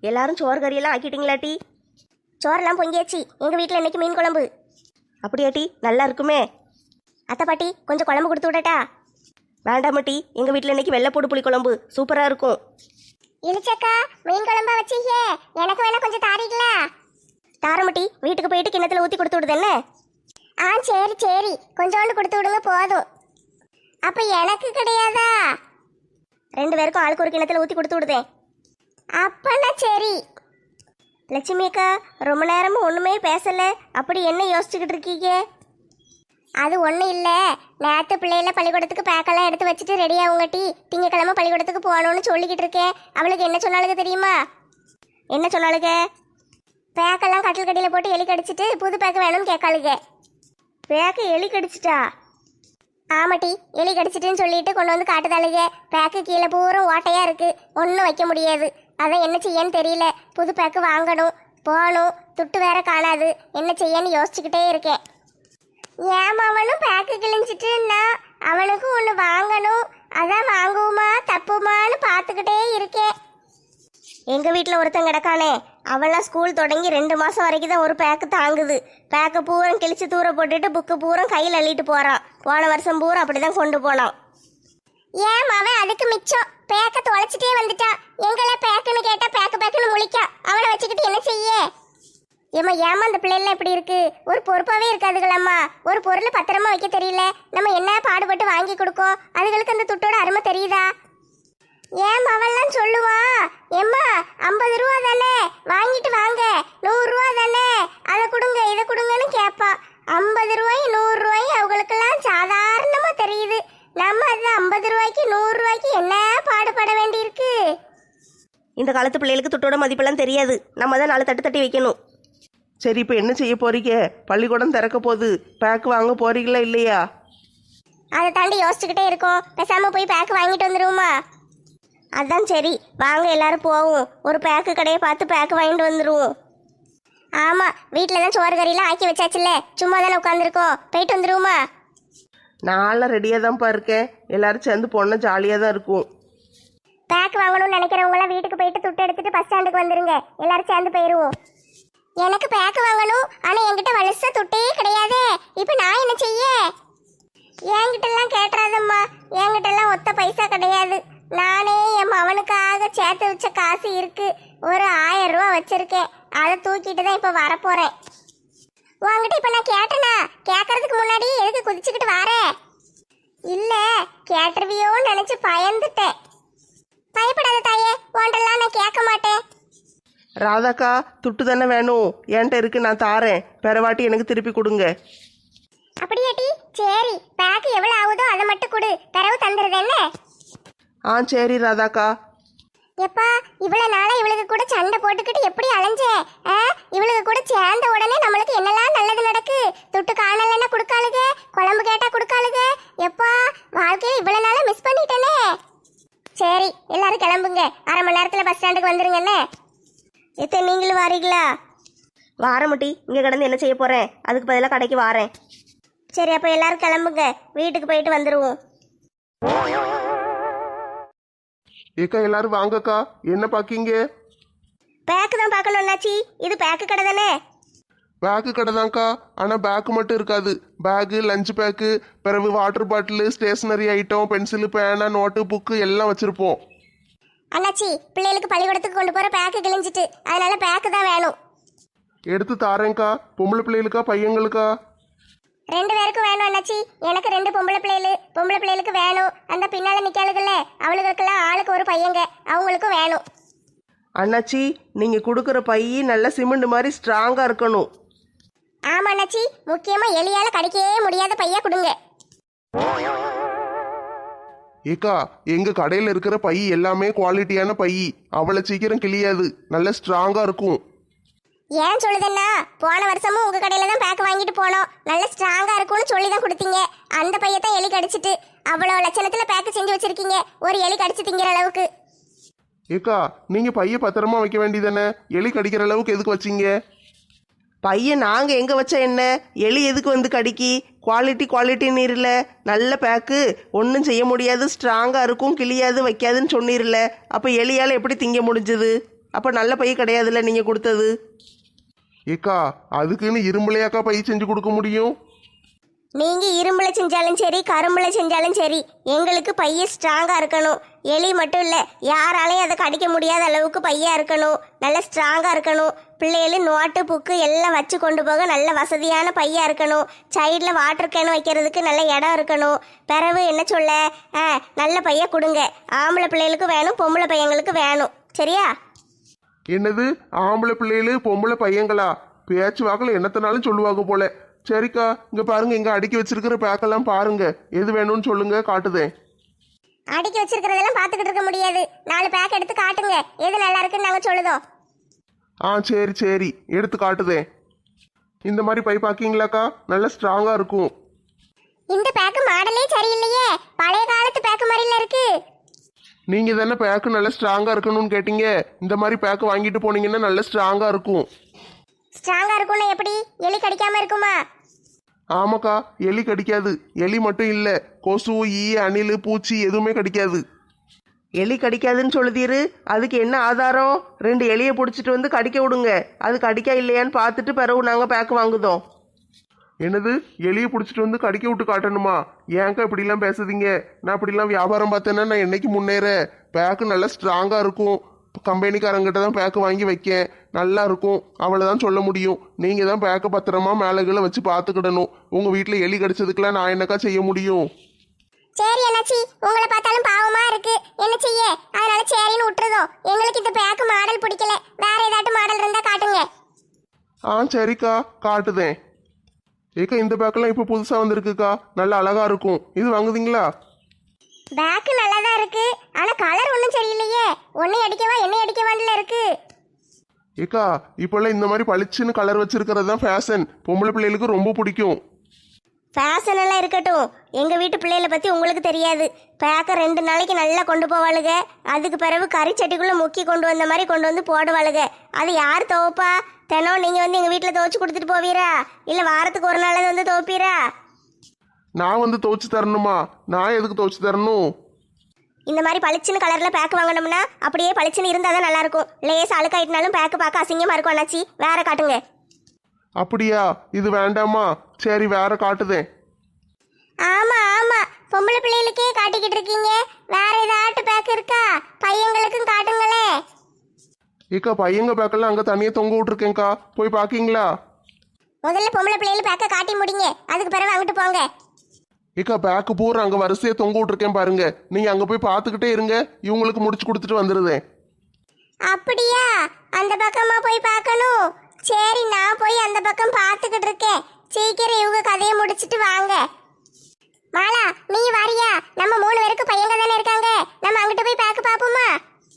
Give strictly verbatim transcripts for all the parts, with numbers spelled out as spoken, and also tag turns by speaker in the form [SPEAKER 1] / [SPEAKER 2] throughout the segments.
[SPEAKER 1] எல்லாரும் சோறு கறியெல்லாம் ஆக்கிட்டீங்களாட்டி?
[SPEAKER 2] சோறெல்லாம் பொங்கியாச்சு. எங்கள் வீட்டில் இன்னைக்கு மீன் குழம்பு.
[SPEAKER 1] அப்படியாட்டி? நல்லா இருக்குமே.
[SPEAKER 2] அத்தை பாட்டி கொஞ்சம் குழம்பு கொடுத்து விடட்டா?
[SPEAKER 1] வேண்டாமட்டி, எங்கள் வீட்டில் இன்னைக்கு வெள்ளைப்பூடு புளி குழம்பு சூப்பராக இருக்கும்.
[SPEAKER 2] இழிச்சக்கா மீன் குழம்பா வச்சீங்க, எனக்கு வேணா கொஞ்சம் தாரீங்களா?
[SPEAKER 1] தாரமட்டி, வீட்டுக்கு போயிட்டு கிண்ணத்தில் ஊற்றி கொடுத்து விடுது என்ன?
[SPEAKER 2] ஆ சரி சரி, கொஞ்சோண்டு கொடுத்து விடுங்க போதும். அப்போ எனக்கு கிடையாதா?
[SPEAKER 1] ரெண்டு பேருக்கும் ஆளுக்கு ஒரு கிண்ணத்தில் ஊற்றி கொடுத்து விடுதேன்.
[SPEAKER 2] அப்பனா சரி.
[SPEAKER 1] லட்சுமி அக்கா, ரொம்ப நேரமும் ஒன்றுமே பேசலை, அப்படி என்ன யோசிச்சுக்கிட்டு இருக்கீங்க?
[SPEAKER 2] அது ஒன்றும் இல்லை, நேற்று பிள்ளைகள பள்ளிக்கூடத்துக்கு பேக்கெல்லாம் எடுத்து வச்சுட்டு ரெடி ஆகுங்கட்டி திங்கக்கிழமை பள்ளிக்கூடத்துக்கு போகணும்னு சொல்லிக்கிட்டு இருக்கேன். அவளுக்கு என்ன சொன்னாலுங்க தெரியுமா?
[SPEAKER 1] என்ன சொன்னாலுங்க?
[SPEAKER 2] பேக்கெல்லாம் கட்டில் கட்டியில் போட்டு எலி கடிச்சிட்டு புது பேக்கு வேணும்னு கேட்காளுங்க.
[SPEAKER 1] பேக்கு எலி கடிச்சிட்டா?
[SPEAKER 2] ஆமாட்டி, எலி கடிச்சிட்டுன்னு சொல்லிட்டு கொண்டு வந்து காட்டுதாளுங்க. பேக்கு கீழே பூரா ஓட்டையா இருக்கு, ஒன்றும் வைக்க முடியாது. அதான் என்ன செய்யன்னு தெரியல. புது பேக்கு வாங்கணும், போகணும், துட்டு வேற காணாது. என்ன செய்யன்னு யோசிச்சுக்கிட்டே இருக்கேன். ஏமாவனும் பேக்கு கிழிஞ்சிட்டுன்னா அவனுக்கும் ஒன்று வாங்கணும். அதான் வாங்குவோமா தப்புமான்னு பார்த்துக்கிட்டே இருக்கேன்.
[SPEAKER 1] எங்கள் வீட்டில் ஒருத்தன் கிடக்கானே, அவெல்லாம் ஸ்கூல் தொடங்கி ரெண்டு மாதம் வரைக்கும் தான் ஒரு பேக்கு தாங்குது. பேக்கை பூரம் கிழிச்சு தூர போட்டுட்டு புக்கு பூரம் கையில் அள்ளிட்டு போகிறான். போன வருஷம் பூரா அப்படி தான் கொண்டு போனான்.
[SPEAKER 2] ஏன் அவன் அதுக்கு மிச்சம் பேக்க தொலைச்சிட்டே வந்துட்டான். எங்களை பேக்குன்னு கேட்டா பேக்கு பேக்குன்னு முழிக்கான். அவனை வச்சுக்கிட்டு என்ன செய்ய? ஏமா ஏமா அந்த பிள்ளைலாம் இப்படி இருக்கு? ஒரு பொறுப்பாவே இருக்காதுங்களம்மா. ஒரு பொருளை பத்திரமா வைக்க தெரியல. நம்ம என்ன பாடுபட்டு வாங்கி கொடுக்கோம், அதுகளுக்கு அந்த துட்டோட அருமை தெரியுதா? ஏன் அவெல்லாம் சொல்லுவா, ஏம்மா ஐம்பது ரூபா தானே வாங்கிட்டு வாங்க, நூறு ரூபா தானே அதை கொடுங்க இதை கொடுங்கன்னு கேட்பா. ஐம்பது ரூபாய் நூறு ரூபாய் அவங்களுக்கெல்லாம் சாதாரணமா தெரியுது. நம்ம அது ஐம்பது ரூபாய்க்கு நூறு ரூபாய்க்கு என்ன பாடுபட வேண்டியிருக்கு?
[SPEAKER 1] இந்த காலத்து பிள்ளைகளுக்கு துட்டோட மதிப்பெல்லாம் தெரியாது. நம்ம தான் நாலு தட்டு தட்டி வைக்கணும்.
[SPEAKER 3] சரி, இப்போ என்ன செய்ய போறீங்க? பள்ளிக்கூடம் திறக்க போகுது, பேக் வாங்க போறீங்களா இல்லையா?
[SPEAKER 2] அதை தாண்டி யோசிச்சுக்கிட்டே இருக்கோம். பேசாம போய் பேக் வாங்கிட்டு வந்துருவோமா?
[SPEAKER 1] அதான் சரி, வாங்க எல்லாரும் போவோம். ஒரு பேக்கு கடையை பார்த்து பேக்கு வாங்கிட்டு வந்துடுவோம்.
[SPEAKER 2] ஆமா, வீட்டில் தான் சோறு கறியெல்லாம் ஆக்கி வச்சாச்சுல்ல, சும்மா தானே உட்காந்துருக்கோம். போயிட்டு வந்துருவோமா?
[SPEAKER 3] நான்லாம் ரெடியாக தான்ப்பா இருக்கேன். எல்லாரும் சேர்ந்து போனால் ஜாலியாக தான் இருக்கும்.
[SPEAKER 2] பேக் வாங்கணும்னு நினைக்கிறவங்களாம் வீட்டுக்கு போயிட்டு துட்டு எடுத்துட்டு பஸ் ஸ்டாண்டுக்கு வந்துருங்க. எல்லாரும் சேர்ந்து போயிடுவோம். எனக்கு பேக் வாங்கணும், ஆனா என்கிட்ட வலுசா துட்டே கிடையாதே. இப்போ நான் என்ன செய்ய? என்கிட்ட எல்லாம் கேட்டுறாதம்மா, என்கிட்ட எல்லாம் ஒத்த பைசா கிடையாது. நானே என் மவனுக்காக சேர்த்து வச்ச காசு இருக்கு, ஒரு ஆயிரம் ரூபா வச்சிருக்கேன். அதை தூக்கிட்டு தான் இப்போ வரப்போறேன். உங்ககிட்ட இப்போ நான் கேட்டேனா? கேட்கறதுக்கு முன்னாடி எதுக்கு குதிச்சுக்கிட்டு வார? இல்ல, கேட்டுருவியோன்னு நினைச்சு பயந்துட்டேன். பயப்படாத தாயே, உன்ட்டெல்லாம் நான் கேட்க மாட்டேன்.
[SPEAKER 3] ராதாக்கா, துட்டு தானே வேணும்? என்கிட்ட இருக்கு, நான் தாரேன். பெறவாட்டி எனக்கு திருப்பி கொடுங்க.
[SPEAKER 2] அப்படியாட்டி? சரி, பேக்கு எவ்வளவு ஆகுதோ அதை மட்டும் கொடு, தரவு தந்துடுது என்ன?
[SPEAKER 3] ஆ சரி ராதாக்கா.
[SPEAKER 2] எப்பா, இவ்வளவு நாளா இவளுக்கு கூட சண்டை போட்டுக்கிட்டு எப்படி அலைஞ்சேன்? இவளுக்கு கூட சேர்ந்த உடனே நம்மளுக்கு என்னெல்லாம் நல்லது நடக்கு. துட்டு காணலன்னா கொடுக்காளுக, குழம்பு கேட்டா கொடுக்காளுக. எப்பா, வாழ்க்கையில இவ்வளவு நாளா மிஸ் பண்ணிட்டேனே. சரி, எல்லாரும் கிளம்புங்க. அரை மணி நேரத்துல பஸ் ஸ்டாண்டுக்கு வந்துருங்க என்ன?
[SPEAKER 1] எத்தனை நீங்களும் வாரீங்களா? வாரமட்டி, இங்கே கிடந்து என்ன செய்ய போகிறேன்? அதுக்கு பதிலாக கடைக்கு வாரேன்.
[SPEAKER 2] சரி, அப்போ எல்லாரும் கிளம்புங்க, வீட்டுக்கு போயிட்டு வந்துடுவோம்.
[SPEAKER 3] ஏக்கா, எல்லாரும் வாங்கக்கா. என்ன பாக்கீங்க?
[SPEAKER 2] பேக்கு தான் பார்க்கணும் அண்ணாச்சி. இது பேக்கு கடை தானே?
[SPEAKER 3] பேக்கு கடை தான்க்கா, ஆனால் பேக்கு மட்டும் இருக்காது. பேக்கு, லஞ்ச் பேக்கு, பிறகு water bottle, stationery item, pencil, பேனா, நோட்டு, புக்கு எல்லாம் வச்சுருப்போம்.
[SPEAKER 2] அண்ணாச்சி, பிள்ளைகளுக்கு பள்ளிக்கூடத்துக்கு கொண்டு போகிற பேக்கு கிழிஞ்சிட்டு, அதனால பேக்கு தான் வேணும்.
[SPEAKER 3] எடுத்து தாரேங்க்கா. பொம்பளை பிள்ளைகளுக்கா பையங்களுக்கா?
[SPEAKER 2] ரெண்டு பேருக்கும் வேணும் அண்ணாச்சி. எனக்கு ரெண்டு பொம்பளை பிள்ளைகளு, பொம்பளை பிள்ளைகளுக்கு வேணும். அந்த பின்னால நிக்காளுகள்ல அவளுகளுக்கெல்லாம் ஆளுக்கு ஒரு பையங்க, அவங்களுக்கும் வேணும்.
[SPEAKER 3] அண்ணாச்சி, நீங்கள் கொடுக்குற பை நல்ல சிமெண்ட் மாதிரி ஸ்ட்ராங்காக இருக்கணும்.
[SPEAKER 2] ஆமா அண்ணாச்சி, முக்கியமா எலியால கடிக்கவே முடியாத பையா கொடுங்க.
[SPEAKER 3] ஏக்கா, எங்கள் கடையில் இருக்கிற பை எல்லாமே குவாலிட்டியான பை, அவ்வளோ சீக்கிரம் கிளியாது, நல்ல ஸ்ட்ராங்காக இருக்கும்.
[SPEAKER 2] ஏன் சொல்லுதுன்னா, போன வருஷமும் உங்க கடையில தான் பேக் வாங்கிட்டு போனோம். நல்ல ஸ்ட்ராங்கா இருக்கும்னு சொல்லி தான் கொடுத்தீங்க. அந்த பையத்தான் எலி கடிச்சிட்டு அவ்வளோ லட்சணத்துல பேக் செஞ்சு வச்சிருக்கீங்க, ஒரு எலி கடிச்சு திங்கிற அளவுக்கு.
[SPEAKER 3] ஏக்கா, நீங்கள் பையை பத்திரமா வைக்க வேண்டியதானே? எலி கடிக்கிற அளவுக்கு எதுக்கு வச்சிங்க? பையன் நாங்கள் எங்கே வச்சா என்ன, எலி எதுக்கு வந்து கடிக்கி? குவாலிட்டி குவாலிட்டி நீரில் நல்ல பேக்கு, ஒன்றும் செய்ய முடியாது, ஸ்ட்ராங்காக இருக்கும், கிளியாது வைக்காதுன்னு சொன்னீர்ல. அப்போ எலியால் எப்படி திங்க முடிஞ்சது? அப்போ நல்ல பை கிடையாதுல்ல நீங்கள் கொடுத்தது.
[SPEAKER 4] ஏக்கா அதுக்குன்னு இரும்புலையாக்கா பை செஞ்சு கொடுக்க முடியும்?
[SPEAKER 1] நீங்க இரும்புல செஞ்சாலும் சரி கரும்புல செஞ்சாலும் சரி எங்களுக்கு பைய ஸ்ட்ராங்கா இருக்கணும். எலி மட்டும் இல்ல, யாராலையும் அதை கடிக்க முடியாத அளவுக்கு பையா இருக்கணும். நல்ல ஸ்ட்ராங்கா இருக்கணும். பிள்ளைகளும் நோட்டு புக்கு எல்லாம் வச்சு கொண்டு போக நல்ல வசதியான பையா இருக்கணும். சைடில் வாட்டர் கேன் வைக்கிறதுக்கு நல்ல இடம் இருக்கணும். பிறகு என்ன சொல்ல, ஆ நல்ல பையா கொடுங்க. ஆம்பளை பிள்ளைகளுக்கு வேணும், பொம்பளை பையங்களுக்கு வேணும். சரியா?
[SPEAKER 4] என்னது ஆம்பளை பிள்ளைகளு பொம்பளை பையங்களா? பேச்சு வாக்கில் என்னத்தனாலும் சொல்லுவாங்க போல. சரிக்கா, இங்க பாருங்க, இங்க அடுக்கி வச்சிருக்கிற பேக்கெல்லாம் பாருங்க, எது வேணும்னு சொல்லுங்க, காட்டுதேன்.
[SPEAKER 2] அடுக்கி வச்சிருக்கிறதெல்லாம் பார்த்துக்கிட்டு இருக்க முடியாது. நாலு பேக் எடுத்து காட்டுங்க, எது நல்லா இருக்குன்னு நாங்கள் சொல்லுதோம்.
[SPEAKER 4] ஆ சரி சரி, எடுத்து காட்டுதேன். இந்த மாதிரி பை பாக்கிங்களாக்கா, நல்ல ஸ்ட்ராங்கா இருக்கும்.
[SPEAKER 2] இந்த பேக்கு மாடலே சரியில்லையே, பழைய காலத்து பேக்கு மாதிரில இருக்கு.
[SPEAKER 4] நீங்க தானே பேக்கு நல்ல ஸ்ட்ராங்கா இருக்கணும்னு கேட்டீங்க. இந்த மாதிரி பேக்கு வாங்கிட்டு போனீங்கன்னா நல்ல ஸ்ட்ராங்கா இருக்கும்.
[SPEAKER 2] ஸ்ட்ராங்கா இருக்கும்னா எப்படி? எலி கடிக்காம இருக்குமா?
[SPEAKER 4] ஆமாக்கா, எலி கடிக்காது. எலி மட்டும் இல்ல, கொசு, ஈ, அணில், பூச்சி எதுவுமே கடிக்காது.
[SPEAKER 3] எலி கடிக்காதுன்னு சொல்லுதீரு, அதுக்கு என்ன ஆதாரம்? ரெண்டு எலியை பிடிச்சிட்டு வந்து கடிக்க விடுங்க, அது கடிக்கா இல்லையான்னு பார்த்துட்டு பிறகு நாங்கள் பேக்கு வாங்குதோம்.
[SPEAKER 4] என்னது, எலியை பிடிச்சிட்டு வந்து கடிக்க விட்டு காட்டணுமா? ஏன்க்கா இப்படிலாம் பேசுதீங்க? நான் இப்படிலாம் வியாபாரம் பார்த்தேன்னா நான் என்னைக்கு முன்னேற? பேக்கு நல்லா ஸ்ட்ராங்கா இருக்கும். கம்பெனிக்காரங்கிட்ட தான் பேக்கு வாங்கி வைக்கேன், நல்லா இருக்கும், அவ்வளோதான் சொல்ல முடியும். நீங்கள் தான் பேக்கை பத்திரமா மேலே கீழே வச்சு பார்த்துக்கிடணும். உங்கள் வீட்டில் எலி கடிச்சதுக்கெல்லாம் நான் என்னக்கா செய்ய முடியும்?
[SPEAKER 2] சரி அண்ணாச்சி, உங்களை பார்த்தாலும் பாவமா இருக்கு, என்ன செய்ய? அதனால சரின்னு விட்டுறதோம். எங்களுக்கு இந்த பேக்கு மாடல் பிடிக்கல, வேற ஏதாட்டும் மாடல் இருந்தா காட்டுங்க.
[SPEAKER 4] ஆ சரிக்கா, காட்டுதேன். ஏக்கா, இந்த பேக்கெல்லாம் இப்போ புதுசாக வந்திருக்குக்கா, நல்லா அழகா இருக்கும். இது வாங்குதீங்களா?
[SPEAKER 2] பேக்கு நல்லா தான் இருக்கு, ஆனா கலர் ஒன்றும் சரியில்லையே. ஒன்னை அடிக்கவா என்னை அடிக்கவான்ல இருக்கு.
[SPEAKER 4] ஏக்கா, இப்போல்லாம் இந்த மாதிரி பளிச்சுன்னு கலர் வச்சிருக்கிறது தான் ஃபேஷன். பொம்பளை பிள்ளைகளுக்கு ரொம்ப பிடிக்கும்.
[SPEAKER 1] ஃபேஷன் எல்லாம் இருக்கட்டும், எங்க வீட்டு பிள்ளைகளை பத்தி உங்களுக்கு தெரியாது. பேக்க ரெண்டு நாளைக்கு நல்லா கொண்டு போவாளுக, அதுக்கு பிறகு கறி சட்டிக்குள்ள முக்கி கொண்டு வந்த மாதிரி கொண்டு வந்து போடுவாளுக. அது யார் துவைப்பா? தினம் நீங்க வந்து எங்க வீட்டுல துவைச்சு கொடுத்துட்டு போவீரா, இல்ல வாரத்துக்கு ஒரு நாள் வந்து துவைப்பீரா?
[SPEAKER 4] நான் வந்து துவைச்சு தரணுமா? நான் எதுக்கு துவைச்சு தரணும்?
[SPEAKER 1] இந்த மாதிரி பளிச்சுன்னு கலர்ல பேக் வாங்கணும்னா அப்படியே பளிச்சுன்னு இருந்தா தான் நல்லா இருக்கும். லேஸ் அழுக்காயிட்டனாலும் பேக்கு பார்க்க அசிங்கமா இருக்கும். அண்ணாச்சி, வேற காட்டுங்க.
[SPEAKER 4] அப்படியா? இது வேண்டாமா? சரி, வேற காட்டுதேன்.
[SPEAKER 2] ஆமா ஆமா, பொம்பளை பிள்ளைகளுக்கே காட்டிக்கிட்டு இருக்கீங்க, வேற ஏதாட்டு பேக் இருக்கா? பையங்களுக்கும் காட்டுங்களே.
[SPEAKER 4] ஏக்கா, பையங்க பேக்கெல்லாம் அங்கே தனியாக தொங்க விட்டுருக்கேங்க்கா, போய் பார்க்கிங்களா?
[SPEAKER 2] முதல்ல பொம்பளை பிள்ளைகள் பேக்க காட்டி முடிங்க, அதுக்கு பிறகு அங்கிட்டு போங்க.
[SPEAKER 4] ஏக்கா, பேக்கு பூரா அங்கே வரிசையாக தொங்க விட்டுருக்கேன் பாருங்க, நீங்கள் அங்கே போய் பார்த்துக்கிட்டே இருங்க, இவங்களுக்கு முடிச்சு கொடுத்துட்டு வந்துடுதேன்.
[SPEAKER 2] அப்படியா? அந்த பக்கமா போய் பார்க்கணும். சரி, நான் போய் அந்த பக்கம் பார்த்துக்கிட்டு இருக்கேன். சீக்கிரம் இவங்க கதையை முடிச்சிட்டு வாங்க. மாலா, நீ வாரியா? நம்ம மூணு பேருக்கு பையங்க தானே இருக்காங்க, நம்ம அங்கிட்டு போய் பேக்க பார்ப்போமா?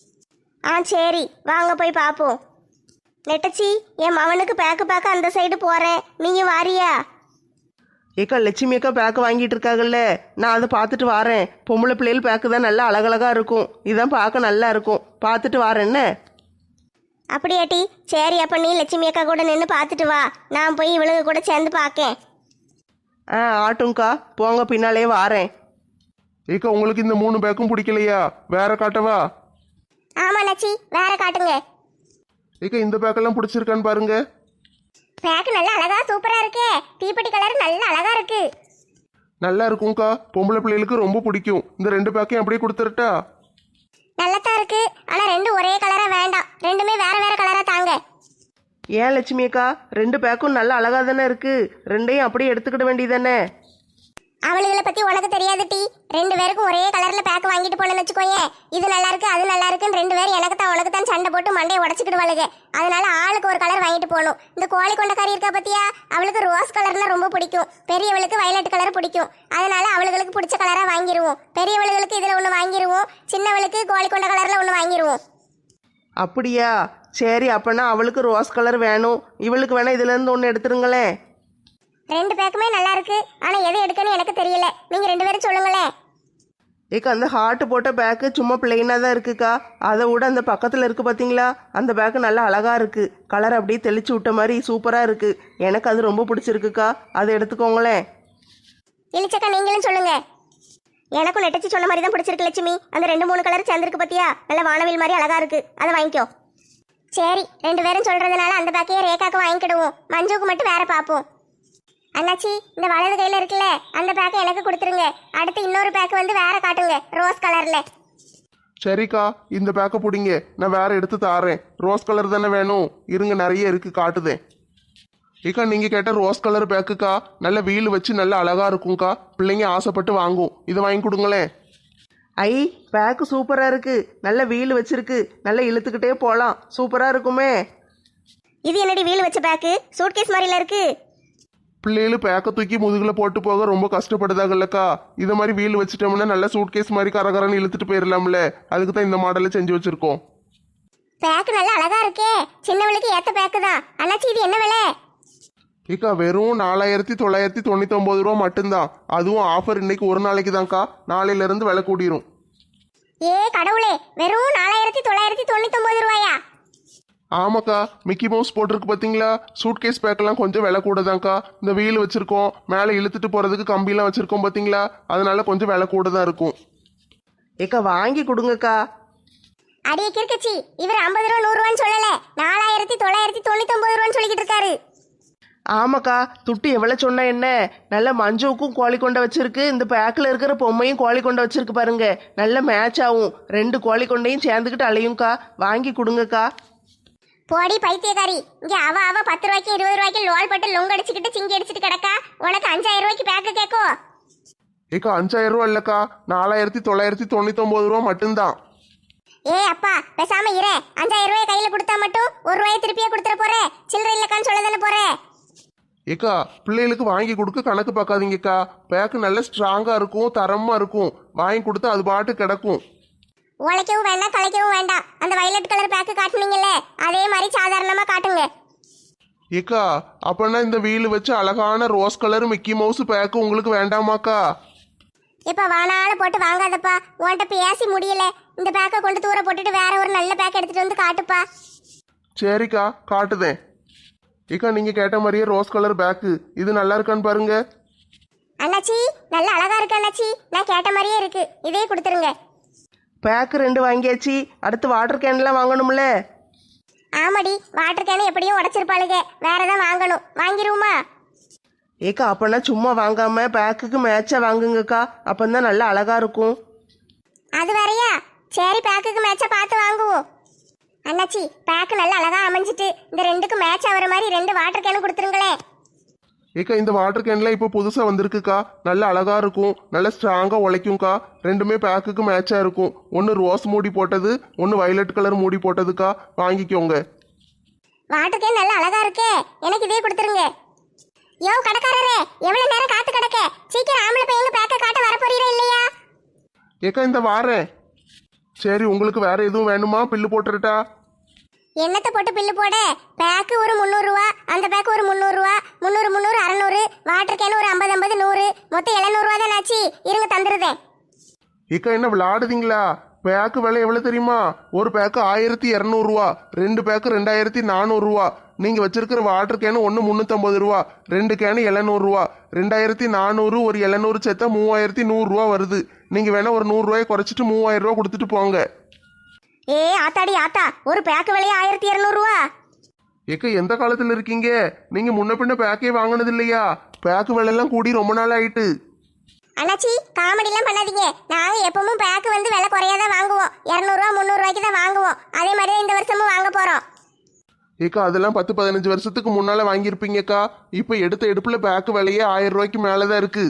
[SPEAKER 1] ஆ சரி, வாங்க போய் பார்ப்போம். நெட்டச்சி, என் மவனுக்கு பேக்கு பார்க்க அந்த சைடு போறேன், நீயும் வாரியா?
[SPEAKER 3] ஏக்கா, லட்சுமி அக்கா பேக்கு வாங்கிட்டு இருக்காங்கல்ல, நான் அதை பார்த்துட்டு வரேன். பொம்பளை பிள்ளைகள் பேக்கு தான் நல்லா அழகழகா இருக்கும், இதான் பார்க்க நல்லா இருக்கும், பார்த்துட்டு வரேன். என்ன
[SPEAKER 1] அப்படியாட்டி? சரி, அப்ப நீ லட்சுமி அக்கா கூட நின்று பார்த்துட்டு வா, நான் போய் இவளுக்கு கூட சேர்ந்து பார்க்கேன்.
[SPEAKER 3] ஆ ஆட்டும்க்கா, போங்க, பின்னாலே வாரேன்.
[SPEAKER 4] ஏக்கா, உங்களுக்கு இந்த மூணு பேக்கும் பிடிக்கலையா? வேற காட்டவா?
[SPEAKER 2] ஆமா நச்சி, வேற காட்டுங்க.
[SPEAKER 4] ஏக்கா, இந்த பேக்கெல்லாம் பிடிச்சிருக்கான்னு பாருங்க.
[SPEAKER 2] பேக் நல்லா அழகா சூப்பரா இருக்கே, தீப்பெட்டி கலர் நல்லா அழகா இருக்கு.
[SPEAKER 4] நல்லா இருக்கும்க்கா, பொம்பளை பிள்ளைகளுக்கு ரொம்ப பிடிக்கும். இந்த ரெண்டு பேக்கையும் அப்படியே கொடுத்துருட்டா?
[SPEAKER 2] நல்லதா இருக்கு, ஆனா ரெண்டு ஒரே கலரா வேண்டாம், ரெண்டுமே வேற வேற கலரா தாங்க.
[SPEAKER 3] ஏன் லட்சுமி அக்கா, ரெண்டு பேக்கும் நல்லா அழகா தானே இருக்கு, ரெண்டையும் அப்படியே எடுத்துக்கிட வேண்டியதானே?
[SPEAKER 2] அவளுகளை பத்தி உனக்கு தெரியாது டி. ரெண்டு பேருக்கும் ஒரே கலர்ல பேக் வாங்கிட்டு போனேன்னு வச்சுக்கோயே, இது நல்லா இருக்கு அது நல்லா இருக்குன்னு ரெண்டு பேரும் எனக்கு தான் உனக்கு தான் சண்டை போட்டு மண்டையை உடச்சிக்கிடுவாளுங்க. அதனால ஆளுக்கு ஒரு கலர் வாங்கிட்டு போகணும். இந்த கோழி கொண்ட கறி இருக்கா பத்தியா, அவளுக்கு ரோஸ் கலர்னா ரொம்ப பிடிக்கும், பெரியவளுக்கு வயலட் கலர் பிடிக்கும். அதனால அவளுக்கு பிடிச்ச கலரா வாங்கிடுவோம். பெரியவளுக்கு இதுல ஒண்ணு வாங்கிடுவோம், சின்னவளுக்கு கோழி கொண்ட கலர்ல ஒண்ணு வாங்கிடுவோம்.
[SPEAKER 3] அப்படியா? சரி, அப்பனா அவளுக்கு ரோஸ் கலர் வேணும், இவளுக்கு வேணா இதுல இருந்து ஒன்று எடுத்துருங்களேன்.
[SPEAKER 2] ரெண்டு பேக்குமே நல்லா இருக்கு, ஆனா எது எடுக்கணும் எனக்கு தெரியல, நீங்க ரெண்டு பேரும் சொல்லுங்களேன்.
[SPEAKER 3] ஏக்கா, அந்த ஹார்ட் போட்ட பேக்கு சும்மா பிளெயினாக தான் இருக்குக்கா, அதை விட அந்த பக்கத்தில் இருக்கு பார்த்தீங்களா, அந்த பேக்கு நல்லா அழகா இருக்கு, கலர் அப்படியே தெளிச்சு விட்ட மாதிரி சூப்பராக இருக்கு, எனக்கு அது ரொம்ப பிடிச்சிருக்குக்கா, அதை எடுத்துக்கோங்களேன்.
[SPEAKER 2] இழிச்சக்கா, நீங்களும் சொல்லுங்க.
[SPEAKER 1] எனக்கும் நெட்டச்சி சொன்ன மாதிரி தான் பிடிச்சிருக்கு லட்சுமி. அந்த ரெண்டு மூணு கலர் சேர்ந்துருக்கு பத்தியா, நல்ல வானவில் மாதிரி அழகா இருக்கு, அதை வாங்கிக்கோ.
[SPEAKER 2] சரி, ரெண்டு பேரும் சொல்றதுனால அந்த பேக்கையே ரேகாக்கு வாங்கிக்கிடுவோம். மஞ்சுவுக்கு மட்டும் வேற பார்ப்போம். அண்ணாச்சி, இந்த வலது கையில இருக்குல்ல அந்த பேக்கை எனக்கு கொடுத்துருங்க. அடுத்து இன்னொரு பேக்கு வந்து வேற காட்டுங்க, ரோஸ் கலர்ல.
[SPEAKER 4] சரிக்கா, இந்த பேக்கை பிடிங்க, நான் வேற எடுத்து தாரேன். ரோஸ் கலர் தானே வேணும்? இருங்க, நிறைய இருக்கு, காட்டுதேன். ஏக்கா, நீங்க கேட்ட ரோஸ் கலர் பேக்குக்கா, நல்ல வீல் வச்சு நல்ல அழகா இருக்கும்க்கா. பிள்ளைங்க ஆசைப்பட்டு வாங்கும். இதை வாங்கி கொடுங்களேன்.
[SPEAKER 3] ஐ, பேக்கு சூப்பராக இருக்கு, நல்ல வீல் வச்சிருக்கு, நல்லா இழுத்துக்கிட்டே போகலாம், சூப்பராக இருக்குமே.
[SPEAKER 1] இது என்னடி வீல் வச்ச பேக்கு? சூட்கேஸ் மாதிரில இருக்கு.
[SPEAKER 4] பிள்ளைகள் பேக்கை தூக்கி முதுகுல போட்டு போக ரொம்ப கஷ்டப்படுதாங்கல்லக்கா. இதை மாதிரி வீல் வச்சுட்டோம்னா நல்ல சூட்கேஸ் மாதிரி கரகரன்னு இழுத்துட்டு போயிடலாம்ல. அதுக்கு தான் இந்த மாடலை செஞ்சு வச்சிருக்கோம்.
[SPEAKER 2] பேக்கு நல்லா அழகா இருக்கே, சின்னவளுக்கு ஏத்த பேக்கு தான். அண்ணாச்சி, இது என்ன விலை?
[SPEAKER 4] ஏக்கா, வெறும் நாலாயிரத்தி தொள்ளாயிரத்தி தொண்ணூத்தி ஒன்பது ரூபா மட்டும்தான். அதுவும் ஆஃபர் இன்னைக்கு ஒரு நாளைக்கு தான்க்கா. நாளையில இருந்து விலை கூடிரும்.
[SPEAKER 2] ஏ கடவுளே, வெறும் நாலாயிரத்தி தொள்ளாயிரத்தி தொண்ணூத்தி ஒன்பது ரூபாயா?
[SPEAKER 4] ஆமாக்கா, மிக்கி மவுஸ் போட்டிருக்கு பார்த்தீங்களா? சூட்கேஸ் பேக்கெல்லாம் கொஞ்சம் விலை கூட தான்க்கா. இந்த வீல் வச்சிருக்கோம், மேலே இழுத்துட்டு போறதுக்கு கம்பிலாம் வச்சிருக்கோம் பார்த்தீங்களா? அதனால கொஞ்சம் விலை கூட தான் இருக்கும்.
[SPEAKER 3] ஏக்கா, வாங்கி கொடுங்கக்கா.
[SPEAKER 2] அடியே கிறுக்கச்சி, இவர் ஐம்பது ரூபா நூறு ரூபான்னு சொல்லல, நாலாயிரத்தி தொள்ளாயிரத்தி தொண்ணூத்தி ஒன்பது ரூபான்னு சொல்லிக்கிட்டு இருக்காரு.
[SPEAKER 3] ஆமாக்கா, துட்டு எவ்வளோ சொன்னா என்ன? நல்ல மஞ்சுவுக்கும் கோழி கொண்டை வச்சிருக்கு, இந்த பேக்கில் இருக்கிற பொம்மையும் கோழி கொண்டை வச்சிருக்கு பாருங்க. நல்ல மேட்ச் ஆகும், ரெண்டு கோழி கொண்டையும் சேர்ந்துக்கிட்டு அலையும்க்கா. வாங்கி கொடுங்கக்கா.
[SPEAKER 2] போடி பைத்தியக்காரி, இங்க அவ அவ பத்து ரூபாய்க்கு இருபது ரூபாய்க்கு லோல் பட்டு லொங்க அடிச்சுக்கிட்டு சிங்கி அடிச்சுட்டு கிடக்கா. உனக்கு அஞ்சாயிரம் ரூபாய்க்கு பேக்கு கேட்கோ?
[SPEAKER 4] ஏக்கா, அஞ்சாயிரம் ரூபா இல்லக்கா, நாலாயிரத்தி தொள்ளாயிரத்தி தொண்ணூத்தி ஒன்பது ரூபா மட்டும்தான்.
[SPEAKER 2] ஏ அப்பா, பேசாம இரு. அஞ்சாயிரம் ரூபாய் கையில கொடுத்தா மட்டும் ஒரு ரூபாய் திருப்பியே கொடுத்துட போற? சில்லறை இல்லக்கான்னு சொல்ல தானே போற?
[SPEAKER 4] ஏக்கா, பிள்ளைகளுக்கு வாங்கி கொடுக்க கணக்கு பார்க்காதீங்கக்கா. பேக்கு நல்ல ஸ்ட்ராங்கா இருக்கும், தரமா இருக்கும். வாங்கி கொடுத்தா அது பாட்டு கிடக்கும்.
[SPEAKER 2] உழைக்கவும் வேண்டாம், கலைக்கவும் வேண்டாம். அந்த வயலட் கலர் பேக்கு காட்டுனீங்கல்ல, அதே மாதிரி சாதாரணமா காட்டுங்க.
[SPEAKER 4] ஏக்கா, அப்பனா இந்த வீல் வச்சு அழகான rose colour Mickey Mouse bag உங்களுக்கு வேண்டாமாக்கா?
[SPEAKER 2] இப்ப வானால போட்டு வாங்காதப்பா, உன்கிட்ட பேசி முடியல. இந்த பேக்கை கொண்டு தூர போட்டுட்டு வேற ஒரு நல்ல பேக் எடுத்துட்டு வந்து காட்டுப்பா.
[SPEAKER 4] சரிக்கா, காட்டுதேன். ஏக்கா, நீங்க கேட்ட மாதிரியே ரோஸ் கலர் பேக்கு, இது நல்லா இருக்கான்னு பாருங்க.
[SPEAKER 2] அண்ணாச்சி, நல்ல அழகா இருக்கு அண்ணாச்சி, நான் கேட்ட மாதிரியே இருக்கு. இதே கொடுத்துருங்க.
[SPEAKER 3] பேக்கு ரெண்டு வாங்கியாச்சு, அடுத்து வாட்டர் கேன்லாம் வாங்கணும்ல.
[SPEAKER 2] ஆமாடி, வாட்டர் கேனு எப்படியும் உடைச்சிருப்பாளுங்க, வேற ஏதாவது வாங்கணும். வாங்கிருவோமா?
[SPEAKER 3] ஏக்கா, அப்பனா சும்மா வாங்காம பேக்குக்கு மேட்சா வாங்குங்கக்கா, அப்பந்தான் நல்லா அழகா இருக்கும்.
[SPEAKER 2] அது வேறயா? சரி, பேக்குக்கு மேட்சா பார்த்து வாங்குவோம். அண்ணாச்சி, பேக்கு நல்லா அழகா அமைஞ்சிட்டு, இந்த ரெண்டுக்கு மேட்ச் ஆகிற மாதிரி ரெண்டு வாட்டர் கேனு கொடுத்துருங்களேன்.
[SPEAKER 4] ஏக்கா, இந்த வாட்டர் கேன்லாம் இப்போ புதுசா வந்திருக்குக்கா. நல்ல அழகா இருக்கும், நல்ல ஸ்ட்ராங்கா உழைக்கும்க்கா. ரெண்டுமே பேக்குக்கு மேட்சா இருக்கும். ஒன்று ரோஸ் மூடி போட்டது, ஒன்று வயலட் கலர் மூடி போட்டதுக்கா. வாங்கிக்கோங்க.
[SPEAKER 2] வாட்டர் கேன் நல்லா அழகா இருக்கே, எனக்கு இதே கொடுத்துருங்க. யோ கடைக்காரரே, எவ்வளவு நேரம் காத்து கிடக்க? சீக்கிரம் ஆம்பளை பையங்க பேக்க காட்ட வர போறீரா இல்லையா?
[SPEAKER 4] ஏக்கா, இந்த வாரேன். சரி, உங்களுக்கு வேற எதுவும் வேணுமா? பில்லு போட்டுருட்டா?
[SPEAKER 2] என்னத்தை போட்டு பில்லு போட? பேக்கு ஒரு முந்நூறுரூவா, அந்த பேக்கு ஒரு முந்நூறுரூவா, முந்நூறு முந்நூறு அறநூறு, வாட்டர் கேன் ஒரு ஐம்பது ஐம்பது நூறு, மொத்தம் எழுநூறுவா தான் ஆச்சு. இருங்க, தந்துருதேன்.
[SPEAKER 4] ஏக்கா, என்ன விளையாடுதீங்களா? பேக்கு விலை எவ்வளவு தெரியுமா? ஒரு பேக்கு ஆயிரத்தி இரநூறுவா, ரெண்டு பேக்கு ரெண்டாயிரத்தி நானூறுரூவா. நீங்க வச்சிருக்கிற வாட்டர் கேனு ஒன்று முந்நூற்றம்பது ரூபா, ரெண்டு கேனு எழுநூறுவா. ரெண்டாயிரத்தி நானூறு ஒரு எழுநூறு சேர்த்தா மூவாயிரத்தி நூறுரூவா வருது. நீங்க வேணா ஒரு நூறுரூவாயை குறைச்சிட்டு மூவாயிரம் ரூபா கொடுத்துட்டு போங்க.
[SPEAKER 1] ஏ ஆத்தாடி ஆத்தா, ஒரு பேக்கு விலையே ஆயிரத்தி இரநூறுவா.
[SPEAKER 4] ஏக்கா, எந்த காலத்துல இருக்கீங்க? நீங்க முன்ன பின்ன பேக்கே வாங்கினது இல்லையா? பேக்கு விலையெல்லாம் கூடி ரொம்ப நாள் ஆயிட்டு.
[SPEAKER 2] அண்ணாச்சி, காமெடிலாம் பண்ணாதீங்க. நாங்க எப்பவும் பேக்கு வந்து விலை குறையாதான் வாங்குவோம். இரநூறுவா முந்நூறுவாய்க்கு தான் வாங்குவோம். அதே மாதிரி இந்த வருஷமும் வாங்க போறோம்.
[SPEAKER 4] ஏக்கா, அதெல்லாம் பத்து பதினஞ்சு வருஷத்துக்கு முன்னால வாங்கியிருப்பீங்கக்கா. இப்போ எடுத்த எடுப்புல பேக்கு விலையே ஆயிரம் ரூபாய்க்கு மேலதான் இருக்கு.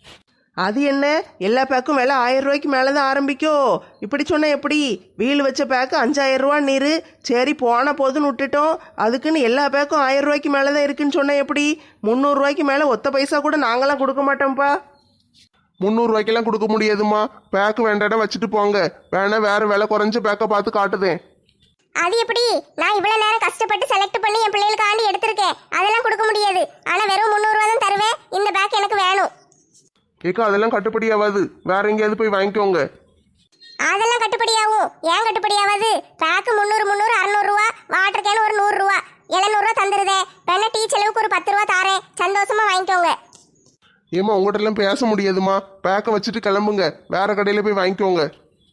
[SPEAKER 3] அது என்ன, எல்லா பேக்கும் விலை ஆயிரம் ரூபாய்க்கு மேலே தான் ஆரம்பிக்கும். இப்படி சொன்ன எப்படி? வீல் வச்ச பேக்கு அஞ்சாயிரம் ரூபா நீரு. சரி, போன போதுன்னு விட்டுட்டோம். அதுக்குன்னு எல்லா பேக்கும் ஆயிரம் ரூபாய்க்கு மேலே தான் இருக்குன்னு சொன்ன எப்படி? முந்நூறுரூவாய்க்கு மேலே ஒத்த பைசா கூட நாங்களாம் கொடுக்க மாட்டோம்ப்பா.
[SPEAKER 4] முந்நூறு ரூபாய்க்கெல்லாம் கொடுக்க முடியாதுமா. பேக்கு வேண்டாம், வச்சுட்டு போங்க. வேணா வேற விலை குறைஞ்ச பேக்கை பார்த்து காட்டுதேன்.
[SPEAKER 2] அது எப்படி? நான் இவ்வளவு நேரம் கஷ்டப்பட்டு செலக்ட் பண்ணி என் பிள்ளைகளுக்கு ஆண்டி எடுத்திருக்கேன். அதெல்லாம் கொடுக்க முடியாது. ஆனா வெறும் முந்நூறுவா தான் தருவேன். இந்த பேக் எனக்கு வேணும்.
[SPEAKER 4] ஏக்கா, அதெல்லாம் கட்டுப்படி ஆகாது. வேற எங்கேயாவது போய் வாங்கிக்கோங்க.
[SPEAKER 2] அதெல்லாம் கட்டுப்படியாகும். ஏன் கட்டுப்படியாவது? பேக்கு முந்நூறு முந்நூறு அறுநூறுவா, வாட்டர் கேன் ஒரு நூறுரூவா, எழுநூறுவா தந்துருதே. வேணா டீ செலவுக்கு ஒரு பத்து ரூபா தாரேன், சந்தோஷமா வாங்கிக்கோங்க.
[SPEAKER 4] ஏமா, உங்கள்கிட்ட எல்லாம் பேச முடியாதுமா. பேக்கை வச்சுட்டு கிளம்புங்க, வேற கடையில போய் வாங்கிக்கோங்க.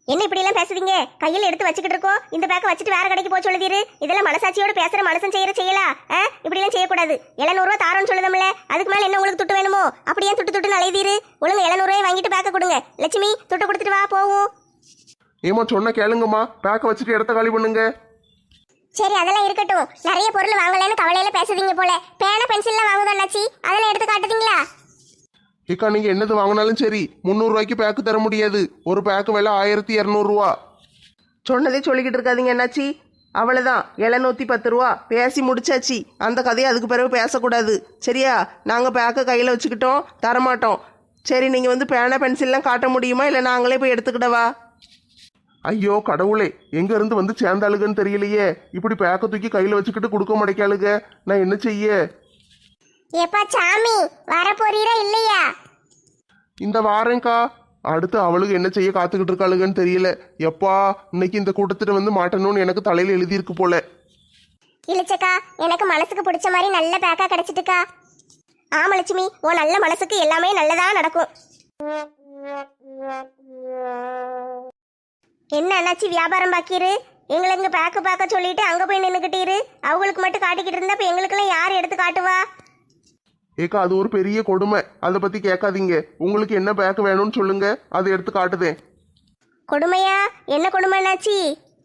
[SPEAKER 1] என்ன இப்படி எல்லாம் பேசுறீங்க? கையில எடுத்து வச்சுக்கிட்டு இருக்கோம், இந்த பேக்கை வச்சுட்டு வேற கடைக்கு போக சொல்லுதீரு. இதெல்லாம் மனசாட்சியோட பேசுற மனுஷன் செய்யற செய்யலா? இப்படி எல்லாம் செய்யக்கூடாது. எழுநூறு ரூபா தாரோன்னு சொல்லுதம்ல, அதுக்கு மேல என்ன உங்களுக்கு துட்டு வேணுமோ? அப்படியே துட்டு துட்டு அலைதீரு. ஒழுங்கு எழுநூறு ரூபாய் வாங்கிட்டு பேக்க கொடுங்க. லட்சுமி, துட்டு கொடுத்துட்டு வா போவோம்.
[SPEAKER 4] ஏமா சொன்ன கேளுங்கம்மா, பேக்கை வச்சுட்டு இடத்த காலி பண்ணுங்க.
[SPEAKER 2] சரி அதெல்லாம் இருக்கட்டும். நிறைய பொருள் வாங்கலன்னு கவலையில பேசுதீங்க போல. பேனா பென்சில்லாம் வாங்குதோம் அண்ணாச்சி, அதெல்லாம் எடுத்து காட்டுதீங்களா?
[SPEAKER 4] ஏக்கா நீங்க என்னது வாங்கினாலும் சரி முந்நூறு ரூபாய்க்கு பேக்கு தர முடியாது. ஒரு பேக்கு விலை ஆயிரத்தி இரநூறுவா.
[SPEAKER 3] சொன்னதே சொல்லிக்கிட்டு இருக்காதீங்க என்னாச்சி. அவ்வளோதான், எழுநூற்றி பத்து ரூபா பேசி முடிச்சாச்சு. அந்த கதையை அதுக்கு பிறகு பேசக்கூடாது சரியா? நாங்கள் பேக்கை கையில் வச்சுக்கிட்டோம், தரமாட்டோம். சரி, நீங்கள் வந்து பேனா பென்சில்லாம் காட்ட முடியுமா, இல்லை நாங்களே போய் எடுத்துக்கிடவா?
[SPEAKER 4] ஐயோ கடவுளே, எங்க இருந்து வந்து சேர்ந்தாளுகன்னு தெரியலையே. இப்படி பேக்க தூக்கி கையில வச்சுக்கிட்டு கொடுக்க மாட்டேக்காளுக. நான் என்ன செய்ய?
[SPEAKER 2] ஏப்பா சாமி, வர போறீரா இல்லையா?
[SPEAKER 4] இந்த வாரேங்க்கா. அடுத்து அவளுக்கு என்ன செய்ய காத்துக்கிட்டு இருக்காளுகன்னு தெரியல. எப்பா இன்னைக்கு இந்த கூட்டத்திட்ட வந்து மாட்டணும்னு எனக்கு தலையில எழுதியிருக்கு போல.
[SPEAKER 2] இழிச்சக்கா, எனக்கு மனசுக்கு பிடிச்ச மாதிரி நல்ல பேக்கா கிடைச்சிட்டுக்கா.
[SPEAKER 1] ஆமா லட்சுமி, உன் நல்ல மனசுக்கு எல்லாமே நல்லதா நடக்கும். என்ன அண்ணாச்சி வியாபாரம் பாக்கிரு? எங்களை இங்க பேக்கு பார்க்க சொல்லிட்டு அங்க போய் நின்னுக்கிட்டீரு. அவங்களுக்கு மட்டும் காட்டிக்கிட்டு இருந்தா இப்ப எங்களுக்கெல்லாம் யார் எடுத்து காட்டுவா?
[SPEAKER 4] ஏக்கா அது ஒரு பெரிய கொடுமை. அதை பத்தி கேட்காதீங்க. உங்களுக்கு என்ன பேக்கு வேணும்னு சொல்லுங்க, அதை எடுத்து காட்டுதேன்.
[SPEAKER 1] கொடுமையா? என்ன கொடுமை அண்ணாச்சி?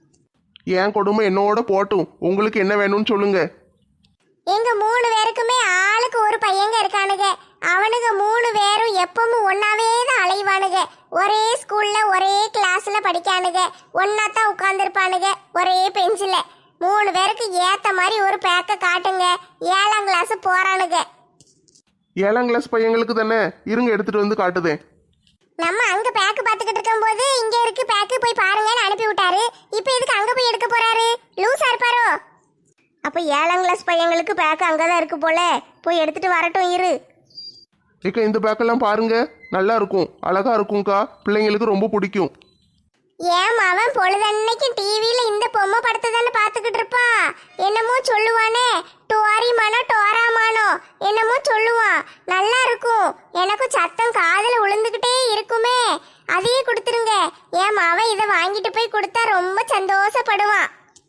[SPEAKER 4] ஏன் கொடுமை என்னோட போட்டும். உங்களுக்கு என்ன வேணும்னு சொல்லுங்க.
[SPEAKER 2] எங்க மூணு பேருக்குமே ஆளுக்கு ஒரு பையங்க இருக்கானுங்க. அவனுங்க மூணு பேரும் எப்பவும் ஒன்னாவே தான் அலைவானுங்க. ஒரே ஸ்கூல்ல ஒரே கிளாஸ்ல படிக்கானுங்க. ஒன்னா தான் உட்கார்ந்துருப்பானுங்க ஒரே பெஞ்சில. மூணு பேருக்கு ஏத்த மாதிரி ஒரு பேக்க காட்டுங்க. ஏழாம் கிளாஸ் போறானுங்க.
[SPEAKER 4] ஏழாம் கிளாஸ் பையங்களுக்கு தானே, இருங்க எடுத்துட்டு வந்து காட்டுதேன்.
[SPEAKER 2] நம்ம அங்க பேக்கு பாத்துக்கிட்டு இருக்கும் போது இங்க இருக்கு பேக்கு போய் பாருங்கன்னு அனுப்பி விட்டாரு. இப்ப எதுக்கு அங்க போய் எடுக்க போறாரு? லூசா இருப்பாரோ?
[SPEAKER 1] அப்ப ஏழாம் கிளாஸ் பையங்களுக்கு பேக்கு அங்கதான் இருக்கு போல. போய் எடுத்துட்டு வரட்டும் இரு.
[SPEAKER 4] ஏக்கா இந்த பேக்கெல்லாம் பாருங்க, நல்லா இருக்கும், அழகா இருக்கும்க்கா. பிள்ளைங்களுக்கு ரொம்ப பிடிக்கும்.
[SPEAKER 2] ஏன் அவன் பொழுதன்னைக்கு டிவியில இந்த பொம்மை படத்தை தானே பாத்துக்கிட்டு இருப்பான். என்னமோ சொல்லுவானே, டோரிமானோ டோராமானோ என்னமோ சொல்லுவான். நல்லா இருக்கும். எனக்கும் சத்தம் காதுல விழுந்துகிட்டே இருக்குமே. அதையே கொடுத்துருங்க. ஏன் அவன் இதை வாங்கிட்டு போய் கொடுத்தா ரொம்ப சந்தோஷப்படுவான்.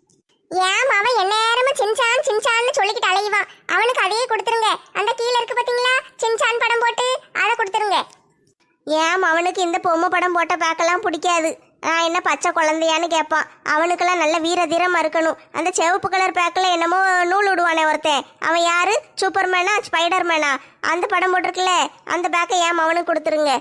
[SPEAKER 2] ஏன் அவன் எந்நேரமும் சின்சான் சின்சான்னு சொல்லிக்கிட்டு அலைவான். அவனுக்கு அதையே கொடுத்துருங்க. அந்த கீழே இருக்கு பாத்தீங்களா சின்சான் படம் போட்டு, அதை கொடுத்துருங்க.
[SPEAKER 1] ஏன் அவனுக்கு இந்த பொம்மை படம் போட்ட பேக்கெல்லாம் பிடிக்காது. நான் என்ன பச்சை குழந்தையான்னு கேட்பான். அவனுக்கெல்லாம் நல்ல வீர தீரமா இருக்கணும். அந்த சிவப்பு கலர் பேக்கில் என்னமோ நூல் விடுவானே ஒருத்தன், அவன் யாரு? சூப்பர்மேனா ஸ்பைடர் மேனா? அந்த படம் போட்டிருக்குல்ல, அந்த பேக்கை ஏன் அவனுக்கு கொடுத்துருங்க.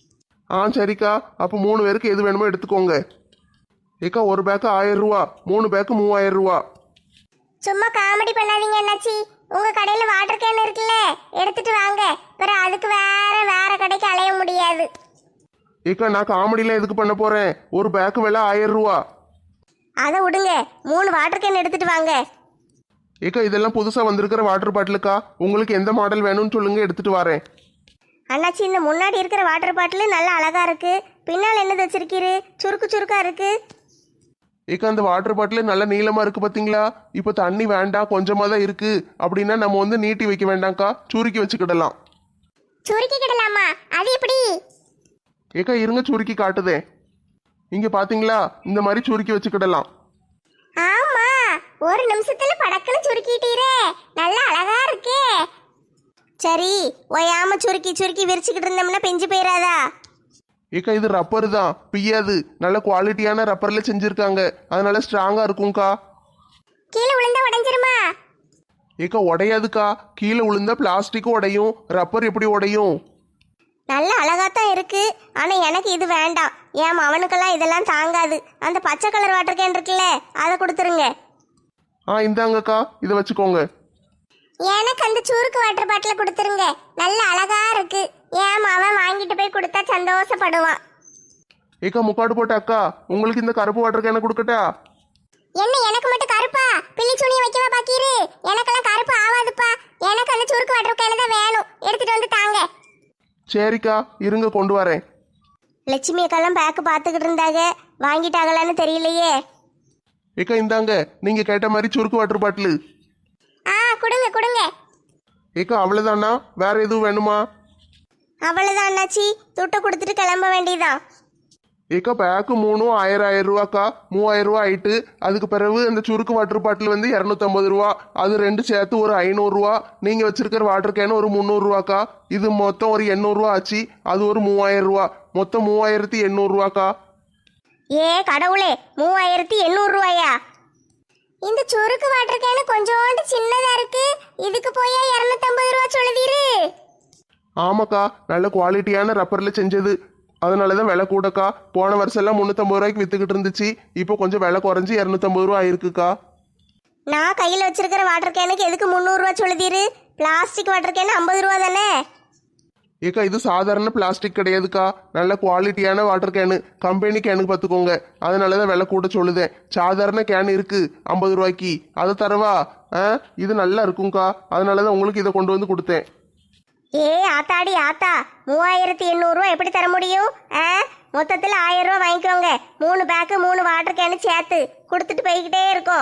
[SPEAKER 4] ஆ சரிக்கா, அப்போ மூணு பேருக்கு எது வேணுமோ எடுத்துக்கோங்க. ஏக்கா ஒரு பேக்கு ஆயிரம் ரூபா, மூணு பேக்கு மூவாயிரம் ரூபா.
[SPEAKER 2] சும்மா காமெடி பண்ணாதீங்க அண்ணாச்சி. உங்க கடையில வாட்டர் கேன் இருக்குல்ல, எடுத்துட்டு வாங்க. வேற அதுக்கு வேற வேற கடைக்கு அலைய முடியாது.
[SPEAKER 4] ஏக்கா நான் காமெடிலாம் எதுக்கு பண்ண போறேன்? ஒரு பேக்கு விலை ஆயிரம் ரூபா.
[SPEAKER 1] அதை விடுங்க, மூணு வாட்டர் கேன் எடுத்துட்டு வாங்க.
[SPEAKER 4] ஏக்கா இதெல்லாம் புதுசா வந்திருக்கிற வாட்டர் பாட்டிலுக்கா. உங்களுக்கு எந்த மாடல் வேணும்னு சொல்லுங்க, எடுத்துட்டு வரேன்.
[SPEAKER 1] அண்ணாச்சி, இந்த முன்னாடி இருக்கிற வாட்டர் பாட்டில் நல்லா அழகா இருக்கு. பின்னால் என்னது வச்சிருக்கீரு? சுருக்கு சுருக்கா இருக்கு.
[SPEAKER 4] ஏக்கா அந்த வாட்டர் பாட்டில் நல்ல நீளமா இருக்கு பாத்தீங்களா? இப்போ தண்ணி வேண்டாம், கொஞ்சமா தான் இருக்கு அப்படின்னா நம்ம வந்து நீட்டி வைக்க வேண்டாம்க்கா, சுருக்கி வச்சுக்கிடலாம்.
[SPEAKER 2] சுருக்கி கிடலாமா? அது எப்படி?
[SPEAKER 4] ஏக்கா இருங்க சுருக்கி காட்டுதேன். இங்க பாத்தீங்களா, இந்த மாதிரி சுருக்கி வச்சுக்கிடலாம்.
[SPEAKER 2] ஆமா, ஒரு நிமிஷத்துல படக்குன்னு சுருக்கிட்டீரே, நல்லா அழகா இருக்கே.
[SPEAKER 1] சரி, ஓயாம சுருக்கி சுருக்கி விரிச்சுக்கிட்டு இருந்தோம்னா பெஞ்சு போயிடாதா?
[SPEAKER 4] ஏக்கா இது ரப்பர் தான், பிய்யாது. நல்ல குவாலிட்டியான ரப்பர்ல செஞ்சிருக்காங்க, அதனால ஸ்ட்ராங்கா இருக்கும்க்கா.
[SPEAKER 2] கீழே விழுந்தா உடைஞ்சிருமா?
[SPEAKER 4] ஏக்கா உடையாதுக்கா. கீழே விழுந்தா பிளாஸ்டிக்கும் உடையும், ரப்பர் எப்படி உடையும்?
[SPEAKER 1] நல்ல அழகாத்தான் இருக்கு. ஆனா எனக்கு இது வேண்டாம். ஏன் அவனுக்கெல்லாம் இதெல்லாம் தாங்காது. அந்த பச்சை கலர் வாட்டர் கேன் இருக்குல்ல, அதை கொடுத்துருங்க.
[SPEAKER 4] ஆ இந்தாங்கக்கா, இதை வச்சுக்கோங்க.
[SPEAKER 2] எனக்கு அந்த சுருக்கு வாட்டர் பாட்டில் கொடுத்துருங்க. நல்ல அழகா இருக்கு. ஏன் அவன் வாங்கிட்டு போய் கொடுத்தா சந்தோஷப்படுவான்.
[SPEAKER 4] ஏக்கா முக்காடு போட்ட அக்கா, உங்களுக்கு இந்த கருப்பு வாட்டர் கேனை கொடுக்கட்டா?
[SPEAKER 2] என்ன எனக்கு மட்டும் கருப்பா? பில்லி சுனியை வைக்கவா பாக்கீரு? எனக்கெல்லாம் கருப்பு ஆவாதுப்பா. எனக்கு அந்த சுருக்கு வாட்டர் கேன் தான் வேணும். எடுத்துட்டு வந்து தாங்க.
[SPEAKER 4] சரிக்கா இருங்க கொண்டு வரேன்.
[SPEAKER 1] லட்சுமி அக்கெல்லாம் பேக்கு பார்த்துக்கிட்டு இருந்தாங்க, வாங்கிட்டாங்களான்னு தெரியலையே.
[SPEAKER 4] ஏக்கா இந்தாங்க, நீங்க கேட்ட மாதிரி சுருக்கு வாட்டர் பாட்டில்.
[SPEAKER 2] ஆ கொடுங்க கொடுங்க.
[SPEAKER 4] ஏக்கா அவ்வளவுதானா? வேற எதுவும் வேணுமா?
[SPEAKER 1] அவ்வளவுதான் அண்ணாச்சி, துட்டை கொடுத்துட்டு கிளம்ப வேண்டியதான்.
[SPEAKER 4] ஏக்கா பேக்கு மூணும் ஆயிரம் ஆயிரம் ரூபாக்கா, மூவாயிரம் ரூபா ஆயிட்டு. அதுக்கு பிறகு அந்த சுருக்கு வாட்டர் பாட்டில் வந்து இரநூத்தம்பது ரூபா, அது ரெண்டு சேர்த்து ஒரு ஐநூறுரூவா. நீங்க வச்சிருக்கிற வாட்டர் கேன் ஒரு முந்நூறுரூவாக்கா. இது மொத்தம் ஒரு எண்ணூறுரூவா ஆச்சு. அது ஒரு மூவாயிரம் ரூபா, மொத்தம் மூவாயிரத்தி எண்ணூறுரூவாக்கா.
[SPEAKER 1] ஏ கடவுளே, மூவாயிரத்தி எண்ணூறு ரூபாயா?
[SPEAKER 2] இந்த சுருக்கு வாட்டர் கேனு கொஞ்சோண்டு சின்னதா இருக்கு, இதுக்கு போய் இருநூத்தம்பது ரூபா சொல்லுதீரு?
[SPEAKER 4] ஆமாக்கா, நல்ல குவாலிட்டியான ரப்பர்ல செஞ்சது, அதனாலதான் விலை கூடக்கா. போன வருஷம் எல்லாம் முன்னூத்தம்பது ரூபாய்க்கு வித்துக்கிட்டு இருந்துச்சு, இப்போ கொஞ்சம் விலை குறைஞ்சி இரநூத்தம்பது ரூபா ஆயிருக்குக்கா.
[SPEAKER 1] நான் கையில் வச்சிருக்கிற வாட்டர் கேனுக்கு எதுக்கு முந்நூறுரூவா சொல்லுதீரு? பிளாஸ்டிக் வாட்டர் கேனு ஐம்பது ரூபா தானே?
[SPEAKER 4] ஏக்கா இது சாதாரண பிளாஸ்டிக் கிடையாதுக்கா, நல்ல குவாலிட்டியான வாட்டர் கேனு, கம்பெனி கேனுக்கு பார்த்துக்கோங்க. அதனாலதான் விலை கூட சொல்லுதேன். சாதாரண கேன் இருக்கு ஐம்பது ரூபாய்க்கு, அதை தரவா? ஆ இது நல்லா இருக்கும்க்கா, அதனாலதான் உங்களுக்கு இதை கொண்டு வந்து கொடுத்தேன்.
[SPEAKER 1] ஏ ஆத்தாடி ஆத்தா, மூவாயிரத்தி எண்ணூறுரூவா எப்படி தர முடியும்? ஆ மொத்தத்தில் ஆயிரம் ரூபா வாங்கிக்கோங்க. மூணு பேக்கு மூணு வாட்டர் கேனு சேர்த்து கொடுத்துட்டு போய்கிட்டே இருக்கோம்.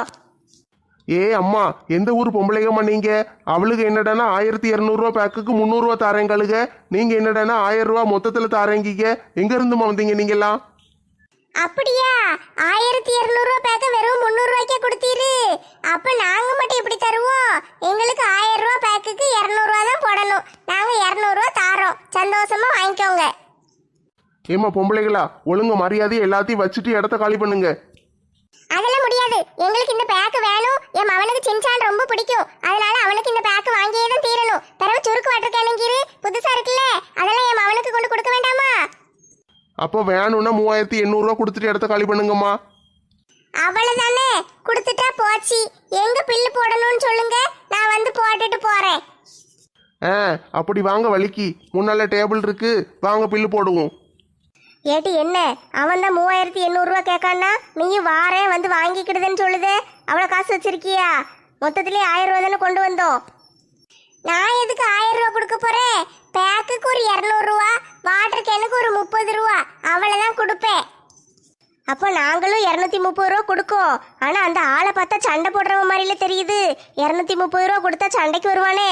[SPEAKER 4] ஏ அம்மா, எந்த ஊர் பொம்பளைங்கம்மா நீங்க? அவளுக்கு என்னடானா ஆயிரத்தி இரநூறுவா பேக்குக்கு முந்நூறுவா தாரேங்களுங்க, நீங்க என்னடானா ஆயிரம் ரூபா மொத்தத்துல தாரேங்கிங்க. எங்க இருந்துமா வந்தீங்க நீங்கெல்லாம்?
[SPEAKER 2] அப்படியா? ஆயிரத்தி இருநூறு ரூபா பேக்க வெறும் முந்நூறு ரூபாய்க்கே கொடுத்தீரு. அப்ப நாங்க மட்டும் எப்படி தருவோம்? எங்களுக்கு ஆயிரம் ரூபா பேக்குக்கு இருநூறு ரூபா தான் போடணும். நாங்க இருநூறு ரூபா தாரோம், சந்தோஷமா வாங்கிக்கோங்க.
[SPEAKER 4] ஏமா பொம்பளைங்களா, ஒழுங்கு மரியாதையை எல்லாத்தையும் வச்சுட்டு இடத்த காலி பண்ணுங்க.
[SPEAKER 2] அதெல்லாம் முடியாது, எங்களுக்கு இந்த பேக்கு வேணும். என் மவனுக்கு சின்சான் ரொம்ப பிடிக்கும், அதனால அவனுக்கு இந்த பேக்கு வாங்கியே தான் தீரணும். பிறகு சுருக்கு வாட்டர் கேனுங்கிரு புதுசா இருக்குல்ல, அதெல்லாம் என் மவனுக்கு கொண்டு கொடுக்க வேண்டாமா?
[SPEAKER 4] அப்போ வேணும்னா மூவாயிரத்தி எண்ணூறுரூவா கொடுத்துட்டு இடத்த காலி பண்ணுங்கம்மா.
[SPEAKER 2] அவ்வளவுதானே, கொடுத்துட்டா போச்சு. எங்க பில்லு போடணும்னு சொல்லுங்க, நான் வந்து போட்டுட்டு போறேன்.
[SPEAKER 4] ஆ அப்படி வாங்க, வலிக்கு முன்னால டேபிள் இருக்கு, வாங்க பில்லு போடுவோம்.
[SPEAKER 1] ஏட்டி என்ன, அவன் தான் மூவாயிரத்தி எண்ணூறுரூவா கேட்கான்னா நீயும் வாரேன் வந்து வாங்கிக்கிடுதுன்னு சொல்லுதே. அவ்வளோ காசு வச்சிருக்கியா? மொத்தத்திலே ஆயிரம் ரூபா தானே கொண்டு வந்தோம்.
[SPEAKER 2] நான் எதுக்கு ஆயிரம் ரூபா கொடுக்க போறேன்? பேக்குக்கு ஒரு இருநூறு ரூபா, வாட்டர் கேனுக்கு ஒரு முப்பது ரூபா, அவ்வளவுதான் கொடுப்பேன்.
[SPEAKER 1] அப்போ நாங்களும் இரநூத்தி முப்பது ரூபா கொடுக்கோம். ஆனால் அந்த ஆளை பார்த்தா சண்டை போடுறவங்க மாதிரில தெரியுது. இரநூத்தி முப்பது ரூபா கொடுத்தா சண்டைக்கு வருவானே.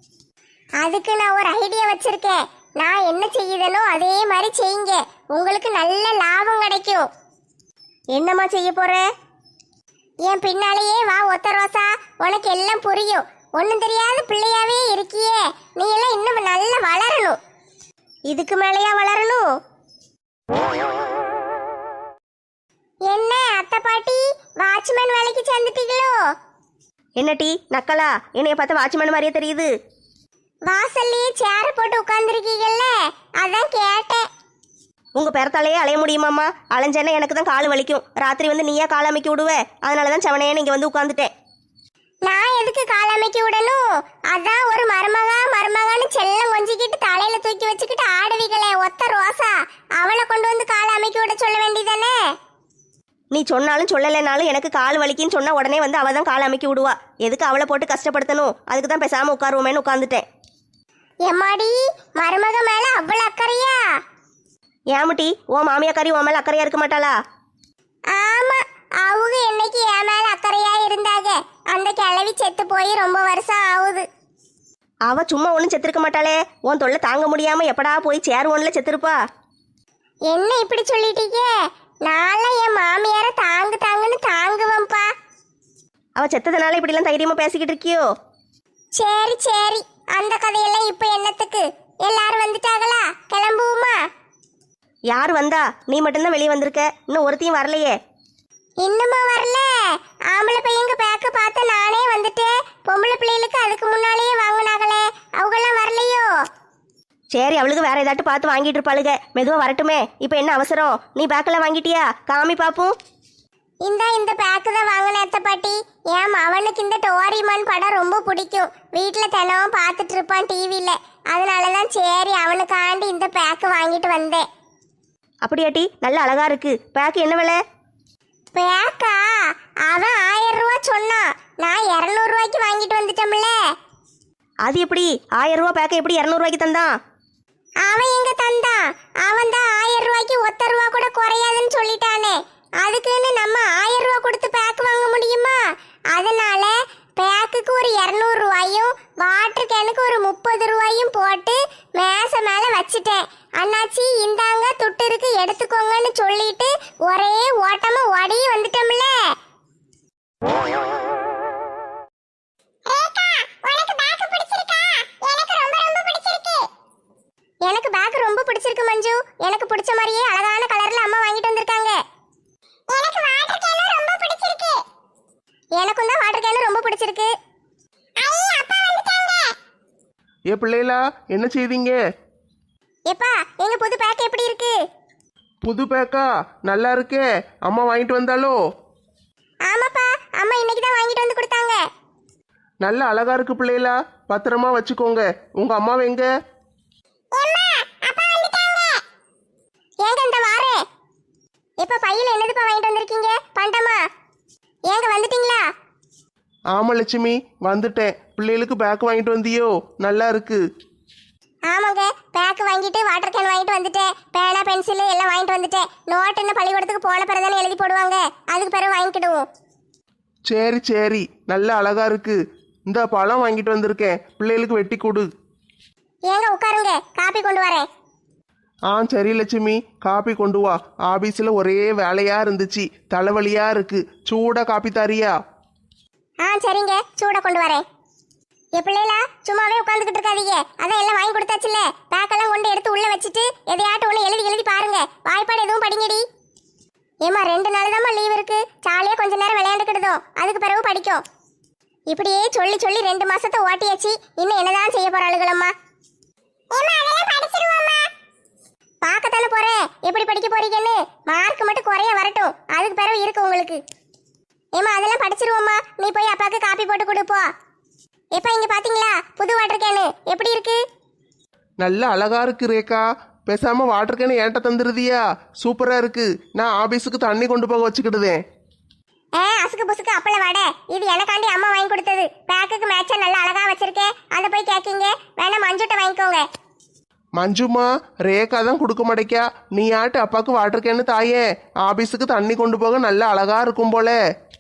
[SPEAKER 2] அதுக்கு நான் ஒரு ஐடியா வச்சிருக்கேன். நான் என்ன செய்யுதனோ அதே மாதிரி செய்யுங்க, உங்களுக்கு நல்ல லாபம் கிடைக்கும்.
[SPEAKER 1] என்னம்மா செய்ய போற?
[SPEAKER 2] என் பின்னாலேயே வா ஒத்த ரோசா, உனக்கு எல்லாம் புரியும். ஒன்னும் தெரியாத பிள்ளையாவே இருக்கியே, நீ எல்லாம் இன்னும் நல்லா வளரணும்.
[SPEAKER 1] இதுக்கு மேலேயா வளரணும்?
[SPEAKER 2] என்ன அத்தை பாட்டி, வாட்ச்மேன் வேலைக்கு சேர்ந்துட்டீங்களோ?
[SPEAKER 1] என்ன டீ நக்கலா, என்னைய பார்த்தா வாட்ச்மேன் மாதிரியே தெரியுது.
[SPEAKER 2] வாசல்லையே சேர போட்டு உட்கார்ந்துருக்கீங்கல்ல, அதான் கேட்டேன்.
[SPEAKER 1] உங்கள் பிறத்தாலேயே அலைய முடியுமாம்மா? அலைஞ்சேன்னா எனக்கு தான் கால் வலிக்கும். ராத்திரி வந்து நீயா கால் அமைக்க விடுவே, அதனால தான் செவனையே இங்கே வந்து உட்காந்துட்டேன்.
[SPEAKER 2] நான் எதுக்கு கால் அமைக்க விடணும்? அதான் ஒரு மருமகா மருமகான்னு செல்லம் கொஞ்சிக்கிட்டு தலையில தூக்கி வச்சுக்கிட்டு ஆடுவீங்களே ஒத்த ரோசா, அவளை கொண்டு வந்து கால் அமைக்க விட சொல்ல வேண்டியதானே?
[SPEAKER 1] நீ சொன்னாலும் சொல்லலைனாலும் எனக்கு கால் வலிக்குன்னு சொன்னால் உடனே வந்து அவள் தான் கால் அமைக்க விடுவா. எதுக்கு அவளை போட்டு கஷ்டப்படுத்தணும்? அதுக்கு தான் பேசாமல் உட்காருவோமேன்னு உட்காந்துட்டேன்.
[SPEAKER 2] எம்மாடி, மருமக மேல அவ்வளவு அக்கறையா?
[SPEAKER 1] ஏமுட்டி, ஓ மாமியாக்காரி உன் மேலே அக்கறையா இருக்க மாட்டாளா?
[SPEAKER 2] ஆமா, அவங்க என்னைக்கு என் மேல அக்கறையா இருந்தாங்க. அந்த கிழவி செத்து போய் ரொம்ப வருஷம் ஆகுது.
[SPEAKER 1] அவ சும்மா ஒன்றும் செத்துருக்க மாட்டாளே. உன் தொல்லை தாங்க முடியாம எப்படா போய் சேர் ஒன்றில் செத்துருப்பா.
[SPEAKER 2] என்ன இப்படி சொல்லிட்டீங்க? நான்லாம் என் மாமியார தாங்கு தாங்குன்னு தாங்குவேன்ப்பா.
[SPEAKER 1] அவ செத்ததுனால இப்படிலாம் தைரியமா பேசிக்கிட்டு இருக்கியோ?
[SPEAKER 2] சரி சரி, அந்த கதையெல்லாம் இப்ப என்னத்துக்கு? எல்லாரும் வந்துட்டாங்களா? கிளம்புவோமா?
[SPEAKER 1] யார் வந்தா? நீ மட்டும்தான் வெளியே வந்திருக்க, இன்னும் ஒருத்தையும் வரலையே.
[SPEAKER 2] இன்னுமா வரல? ஆம்பளை பையங்க பேக்க பார்த்து நானே வந்துட்டேன். பொம்பளை பிள்ளைகளுக்கு அதுக்கு முன்னாலேயே வாங்கினாங்களே, அவங்கெல்லாம் வரலையோ?
[SPEAKER 1] சரி, அவளுக்கு வேற ஏதாட்டு பார்த்து வாங்கிட்டு இருப்பாளுக, மெதுவா வரட்டுமே. இப்போ என்ன அவசரம்? நீ பேக்கெல்லாம் வாங்கிட்டியா? காமி பாப்போம்.
[SPEAKER 2] இந்த இந்த பேக்கு தான் வாங்கின அத்தை பாட்டி. ஏன் அவனுக்கு இந்த டோரிமான் படம் ரொம்ப பிடிக்கும், வீட்டில் தினமும் பார்த்துட்டு இருப்பான் டிவியில். அதனால தான் சரி அவனுக்காண்டி இந்த பேக்கு வாங்கிட்டு வந்தேன்.
[SPEAKER 1] அப்படியாட்டி, நல்ல அழகா இருக்கு. பேக்கு என்ன விலை?
[SPEAKER 2] பேக்கா? அவன் ஆயிரம் ரூபா சொன்னான், நான் இரநூறு ரூபாய்க்கு வாங்கிட்டு வந்துட்டோம்ல.
[SPEAKER 1] அது எப்படி ஆயிரம் ரூபா பேக்கை எப்படி இரநூறுவாய்க்கு தந்தான்?
[SPEAKER 2] அவன் எங்க தந்தான்? அவன் தான் ஆயிரம் ரூபாய்க்கு ஒத்த ரூபா கூட குறையாதுன்னு சொல்லிட்டானே. அதுக்குன்னு நம்ம ஆயிரம் ரூபா கொடுத்து பேக் வாங்க முடியுமா? அதனால பேக்குக்கு ஒரு இரநூறு ரூபாயும் வாட்டர் கேனுக்கு ஒரு முப்பது ரூபாயும் போட்டு மேச மேல வச்சுட்டேன். அண்ணாச்சி இந்தாங்க துட்டு இருக்கு எடுத்துக்கோங்கன்னு சொல்லிட்டு ஒரே ஓட்டமா ஓடி வந்துட்டோம்ல. எனக்கு பேக் ரொம்ப பிடிச்சிருக்கு மஞ்சு. எனக்கு பிடிச்ச மாதிரியே அழகான கலர்ல அம்மா வாங்கிட்டு வந்திருக்காங்க. எனக்கு வாட்டர் கேன் ரொம்ப பிடிச்சிருக்கு. எனக்கும் தான் வாட்டர் கேன் ரொம்ப பிடிச்சிருக்கு. ஐ அப்பா வந்துட்டாங்க.
[SPEAKER 3] ஏ பிள்ளைகளா, என்ன செய்தீங்க?
[SPEAKER 2] எப்பா எங்க புது பேக் எப்படி இருக்கு?
[SPEAKER 3] புது பேக்கா? நல்லா இருக்கே. அம்மா வாங்கிட்டு வந்தாலோ?
[SPEAKER 2] ஆமாப்பா, அம்மா இன்னைக்கு தான் வாங்கிட்டு வந்து கொடுத்தாங்க.
[SPEAKER 3] நல்ல அழகா இருக்கு பிள்ளைகளா, பத்திரமா வச்சுக்கோங்க. உங்க அம்மாவை எங்க?
[SPEAKER 2] ஏங்க இந்த வாரே. எப்ப பையில என்னதுப்பா வாங்கிட்டு வந்திருக்கீங்க? பண்டமா? ஏங்க வந்துட்டீங்களா?
[SPEAKER 3] ஆமா லட்சுமி, வந்துட்டேன். பிள்ளைகளுக்கு பேக் வாங்கிட்டு வந்தியோ? நல்லா இருக்கு.
[SPEAKER 2] ஆமாங்க, பேக் வாங்கிட்டு வாட்டர் கேன் வாங்கிட்டு வந்துட்டேன். பேனா பென்சில் எல்லாம் வாங்கிட்டு வந்துட்டேன். நோட் என்ன பள்ளிக்கூடத்துக்கு போன பிறகு தானே எழுதி போடுவாங்க, அதுக்கு பிறகு வாங்கிக்கிடுவோம்.
[SPEAKER 3] சரி சரி, நல்ல அழகா இருக்கு. இந்த பழம் வாங்கிட்டு வந்திருக்கேன், பிள்ளைகளுக்கு வெட்டி கொடு.
[SPEAKER 2] ஏங்க உட்காருங்க, காப்பி கொண்டு வரேன்.
[SPEAKER 3] ஆ சரி லட்சுமி, காப்பி கொண்டு வா. ஆபீஸில் ஒரே வேலையா இருந்துச்சு, தலைவலியா இருக்கு. சூடா காப்பி தாரியா?
[SPEAKER 2] ஆ சரிங்க, சூட கொண்டு வரேன். என் பிள்ளைகளா சும்மாவே உட்காந்துக்கிட்டு இருக்காதீங்க. அதான் எல்லாம் வாங்கி கொடுத்தாச்சுல்ல, பேக்கெல்லாம் கொண்டு எடுத்து உள்ள வச்சுட்டு எதையாட்டும் ஒன்று எழுதி எழுதி பாருங்க. வாய்ப்பாடு எதுவும் படிங்கடி. ஏமா ரெண்டு நாள் தாம்மா லீவ் இருக்கு, ஜாலியா கொஞ்ச நேரம் விளையாண்டுக்கிடுதோம், அதுக்கு பிறகு படிக்கும். இப்படியே சொல்லி சொல்லி ரெண்டு மாசத்தை ஓட்டியாச்சு. இன்னும் என்னதான் செய்ய போறாளுகளம்மா? பார்க்கத்தானே போறேன் எப்படி படிக்க போறீங்கன்னு. மார்க் மட்டும் குறைய வரட்டும், அதுக்கு பிறகு இருக்கு உங்களுக்கு. ஏமா அதெல்லாம் படிச்சிருவோம்மா, நீ போய் அப்பாவுக்கு காப்பி போட்டு கொடுப்போ. எப்ப இங்க பாத்தீங்களா புது வாட்டர் கேனு எப்படி இருக்கு?
[SPEAKER 3] நல்ல அழகா இருக்கு ரேகா. பேசாம வாட்டர் கேன் ஏன்ட்ட தந்துருதியா? சூப்பரா இருக்கு. நான் ஆபீஸுக்கு தண்ணி கொண்டு போக வச்சுக்கிடுதேன்.
[SPEAKER 2] ஏ அசுக்கு புசுக்கு அப்பள வாட, இது எனக்காண்டி அம்மா வாங்கி கொடுத்தது. பேக்குக்கு மேட்சா நல்லா அழகா வச்சிருக்கேன், அதை போய் கேட்கீங்க. வேணா மஞ்சுட்ட வாங்கிக்கோங்க.
[SPEAKER 3] மஞ்சுமா, ரேகா தான் கொடுக்க மாட்டேக்கா. நீ ஆட்டு அப்பாவுக்கு வாட்டர் கேனு தாயே. ஆபீஸுக்கு தண்ணி கொண்டு போக நல்ல அழகா இருக்கும் போல.